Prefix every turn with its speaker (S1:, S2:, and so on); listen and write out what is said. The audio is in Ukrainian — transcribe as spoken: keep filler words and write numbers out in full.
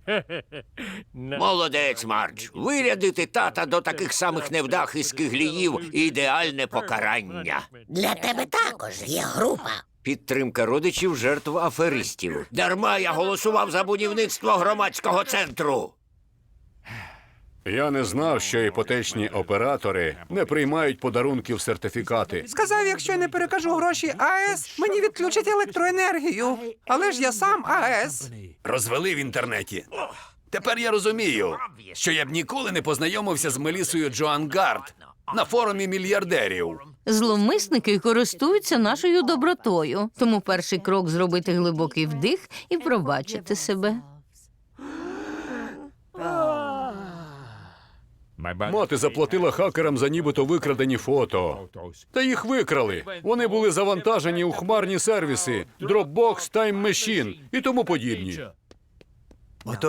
S1: Молодець, Мардж. Вирядити тата до таких самих невдах і скигліїв – ідеальне покарання.
S2: Для тебе також є група.
S1: Підтримка родичів жертв аферистів. Дарма я голосував за будівництво громадського центру.
S3: Я не знав, що іпотечні оператори не приймають подарунків сертифікати.
S4: Сказав, якщо я не перекажу гроші АЕС, мені відключать електроенергію. Але ж я сам АЕС.
S5: Розвели в інтернеті. Тепер я розумію, що я б ніколи не познайомився з Мелісою Джоан Гард на форумі мільярдерів.
S6: Зловмисники користуються нашою добротою. Тому перший крок – зробити глибокий вдих і пробачити себе.
S3: Мати заплатила хакерам за нібито викрадені фото. Та їх викрали. Вони були завантажені у хмарні сервіси Dropbox, Time Machine і тому подібні.